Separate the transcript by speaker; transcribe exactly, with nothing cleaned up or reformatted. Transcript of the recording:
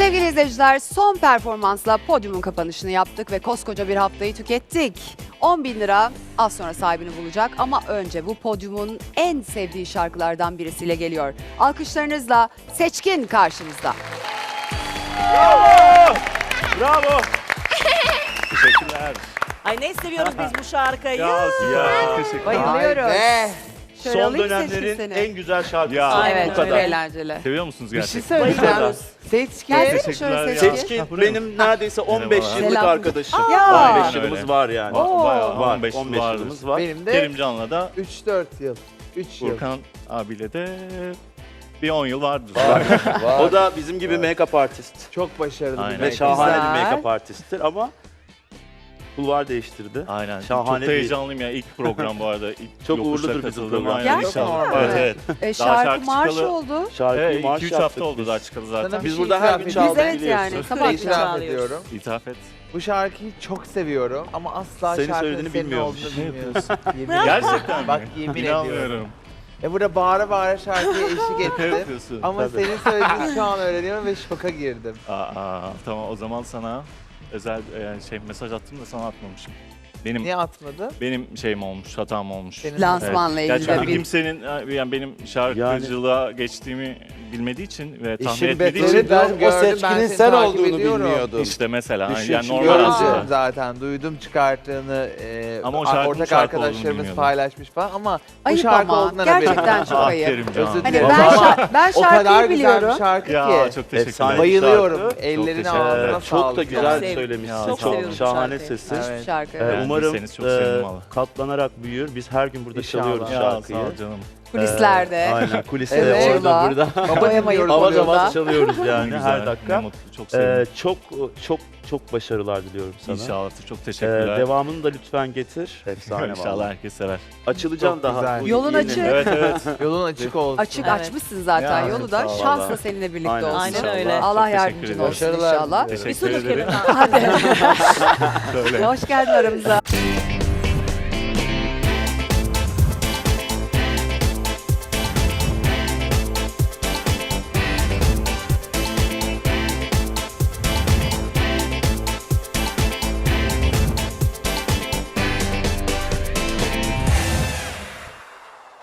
Speaker 1: Sevgili izleyiciler, son performansla podyumun kapanışını yaptık ve koskoca bir haftayı tükettik. on bin lira az sonra sahibini bulacak ama önce bu podyumun en sevdiği şarkılardan birisiyle geliyor. Alkışlarınızla Seçkin karşınızda.
Speaker 2: Bravo! Bravo! Teşekkürler.
Speaker 3: Ay ne seviyoruz biz bu şarkıyı.
Speaker 2: Ya, ya. Teşekkürler.
Speaker 1: Bayılıyorum.
Speaker 4: Be.
Speaker 1: Şöyle
Speaker 2: Son
Speaker 1: alayım Seçkin
Speaker 2: dönemlerin
Speaker 1: seni.
Speaker 2: en güzel şarkısı.
Speaker 3: Ya. Aynen
Speaker 1: Evet,
Speaker 3: öyle.
Speaker 1: çok eğlenceli.
Speaker 5: Seviyor musunuz
Speaker 4: Bir şey
Speaker 5: gerçekten?
Speaker 4: söyleyeceğim.
Speaker 2: Bayılırız.
Speaker 4: Seçkin.
Speaker 1: Gelsene şöyle
Speaker 5: Teşekkürler
Speaker 1: Seçkin.
Speaker 5: ya.
Speaker 2: Seçkin
Speaker 5: Ha, buraya mı?
Speaker 2: benim neredeyse on beş
Speaker 5: Merhabalar.
Speaker 2: yıllık
Speaker 1: Selam.
Speaker 2: arkadaşım.
Speaker 1: Aa.
Speaker 2: on beş
Speaker 5: Aynen
Speaker 2: yılımız
Speaker 5: öyle.
Speaker 2: var yani.
Speaker 5: Va- Bayağı
Speaker 2: Var,
Speaker 5: on beş,
Speaker 2: on beş
Speaker 5: vardır.
Speaker 2: yılımız var.
Speaker 4: Benim de
Speaker 5: Kerimcan'la da
Speaker 4: üç dört yıl. üç yıl.
Speaker 5: Furkan abiyle de bir on yıl vardır.
Speaker 4: Var.
Speaker 2: O da bizim gibi make-up artist.
Speaker 4: Çok başarılı
Speaker 5: Aynen.
Speaker 4: bir
Speaker 2: Ve şahane
Speaker 1: Güzel.
Speaker 2: bir make-up artisttir ama kulvar değiştirdi.
Speaker 5: Aynen.
Speaker 2: Şahane
Speaker 5: Çok
Speaker 2: bir-
Speaker 5: heyecanlıyım ya. İlk program bu arada. İlk
Speaker 2: Çok
Speaker 5: yokuşa
Speaker 2: uğurludur bizim
Speaker 5: katıldım.
Speaker 2: program.
Speaker 5: Aynen,
Speaker 1: Gerçekten
Speaker 5: inşallah.
Speaker 1: mi?
Speaker 5: Evet evet.
Speaker 1: E,
Speaker 5: Daha
Speaker 1: şarkı
Speaker 5: şarkı
Speaker 1: marş
Speaker 5: çıkalı-
Speaker 1: oldu.
Speaker 2: Şarkıyı
Speaker 5: Evet
Speaker 2: marş
Speaker 5: iki üç
Speaker 2: yaptık
Speaker 5: hafta oldu
Speaker 2: biz.
Speaker 5: daha çıkalı
Speaker 4: Sana
Speaker 5: zaten.
Speaker 4: bir
Speaker 2: Biz
Speaker 4: şey
Speaker 2: burada her
Speaker 4: itiraf
Speaker 2: gün
Speaker 4: edeceğim.
Speaker 1: Biz
Speaker 2: çaldık
Speaker 1: evet
Speaker 2: biliyorsun.
Speaker 1: yani
Speaker 4: Bir
Speaker 1: sabah
Speaker 4: şey itiraf
Speaker 3: çalıyoruz.
Speaker 4: ediyorum.
Speaker 5: İtiraf et.
Speaker 4: Bu şarkıyı çok seviyorum ama asla
Speaker 2: Senin
Speaker 4: şarkının
Speaker 2: söylediğini
Speaker 4: senin
Speaker 2: bilmiyormuş.
Speaker 4: olduğunu
Speaker 5: Ne
Speaker 4: bilmiyorsun. Yemin ediyorum.
Speaker 5: Gerçekten mi?
Speaker 4: Bak yemin ediyorum.
Speaker 5: İnanmıyorum.
Speaker 4: E burada bağıra bağıra şarkıya eşlik
Speaker 5: Şaka
Speaker 4: ettim.
Speaker 5: yapıyorsun.
Speaker 4: Ama
Speaker 2: Tabii.
Speaker 4: senin söylediğini şu an öğreniyorum ve şoka girdim.
Speaker 5: Aa, aa, tamam o zaman sana özel yani şey mesaj attım da sana atmamışım. Benim
Speaker 4: Niye atmadın?
Speaker 5: benim şeyim olmuş, hatam olmuş.
Speaker 4: Senin-
Speaker 1: Lansmanla
Speaker 5: Evet.
Speaker 1: ilgili
Speaker 5: Ya
Speaker 1: de
Speaker 5: çünkü
Speaker 1: bir...
Speaker 5: kimsenin yani benim şarkıcılığa geçtiğimi bilmediği için ve tahmin
Speaker 6: İşin
Speaker 5: etmediği
Speaker 6: beteri
Speaker 5: için
Speaker 6: ben
Speaker 4: Gördüm,
Speaker 6: o
Speaker 4: ben
Speaker 6: seçkinin
Speaker 4: seni
Speaker 6: sen
Speaker 4: takip
Speaker 6: olduğunu
Speaker 4: ediyorum.
Speaker 6: bilmiyordum.
Speaker 5: işte mesela
Speaker 6: Düşün
Speaker 5: yani
Speaker 6: şimdi
Speaker 5: normal
Speaker 6: görünce.
Speaker 5: aslında.
Speaker 4: Gördüm zaten, duydum çıkarttığını, e,
Speaker 5: Ama o şarkının
Speaker 4: ortak
Speaker 5: şarkı olduğunu
Speaker 4: arkadaşlarımız
Speaker 5: bilmiyordum.
Speaker 4: paylaşmış falan ama bu
Speaker 1: Ayıp
Speaker 4: şarkı
Speaker 1: ama
Speaker 4: olduğundan haberim
Speaker 1: gerçekten
Speaker 4: yok.
Speaker 1: çok
Speaker 5: Ah,
Speaker 1: ayıp.
Speaker 5: Kerimcan.
Speaker 4: Özür
Speaker 1: Hani
Speaker 4: dilerim.
Speaker 1: ben,
Speaker 4: Ama
Speaker 1: şa- ben
Speaker 4: o kadar
Speaker 1: şarkıyı
Speaker 4: güzel bir
Speaker 1: biliyorum.
Speaker 4: şarkı
Speaker 5: Ya
Speaker 4: ki.
Speaker 5: çok teşekkürler.
Speaker 2: Efsane.
Speaker 4: Bayılıyorum.
Speaker 2: şarkı.
Speaker 4: Ellerine
Speaker 5: teşekkür
Speaker 4: ağzına
Speaker 5: ederim.
Speaker 2: Ee,
Speaker 4: sağlık.
Speaker 2: çok da güzel
Speaker 3: sev-
Speaker 2: söylemişsin.
Speaker 5: çok
Speaker 2: Çok,
Speaker 3: seviyorum
Speaker 2: şahane
Speaker 3: şarkıyı.
Speaker 2: sesi.
Speaker 4: Evet.
Speaker 1: Şarkı.
Speaker 2: Ee,
Speaker 5: Evet,
Speaker 2: umarım
Speaker 5: bilseniz çok
Speaker 2: e,
Speaker 5: sevindim valla.
Speaker 2: katlanarak büyür. Biz her gün burada
Speaker 4: İnşallah.
Speaker 2: çalıyoruz
Speaker 5: Ya
Speaker 2: şarkıyı.
Speaker 5: sağ ol canım.
Speaker 1: Kulislerde.
Speaker 2: Ee, aynen kuliste
Speaker 4: Evet.
Speaker 2: orada burada.
Speaker 4: Baba dinliyoruz
Speaker 2: Avaz
Speaker 4: oluyor da.
Speaker 2: avaz çalıyoruz yani
Speaker 5: Ne
Speaker 2: her
Speaker 5: güzel,
Speaker 2: dakika.
Speaker 5: ne mutlu, çok
Speaker 2: Ee,
Speaker 5: sevindim.
Speaker 2: çok çok çok başarılar diliyorum sana.
Speaker 5: İnşallah çok
Speaker 2: Ee,
Speaker 5: teşekkürler.
Speaker 2: devamını da lütfen getir. Efsane
Speaker 5: İnşallah
Speaker 2: vallahi.
Speaker 5: herkes sever.
Speaker 2: Açılacaksın
Speaker 4: Çok
Speaker 2: daha.
Speaker 4: güzel.
Speaker 2: Bu
Speaker 1: Yolun
Speaker 2: yeni-
Speaker 1: açık.
Speaker 5: Evet evet.
Speaker 4: Yolun açık olsun.
Speaker 1: Açık
Speaker 3: Evet.
Speaker 1: açmışsın zaten
Speaker 5: Ya,
Speaker 1: yolu da.
Speaker 5: sağ ol
Speaker 1: Şans da
Speaker 5: vallahi.
Speaker 1: seninle birlikte
Speaker 2: Aynen.
Speaker 1: olsun.
Speaker 3: Aynen
Speaker 5: İnşallah.
Speaker 3: öyle.
Speaker 1: Allah
Speaker 5: Çok teşekkür
Speaker 1: yardımcın
Speaker 5: ederim.
Speaker 1: olsun
Speaker 4: Başarılar
Speaker 1: inşallah.
Speaker 4: diliyorum.
Speaker 3: Bir su
Speaker 5: Teşekkür
Speaker 3: dökelim
Speaker 5: ederim.
Speaker 3: ha.
Speaker 1: Hadi.
Speaker 5: Söyle.
Speaker 1: Hoş geldin aramıza.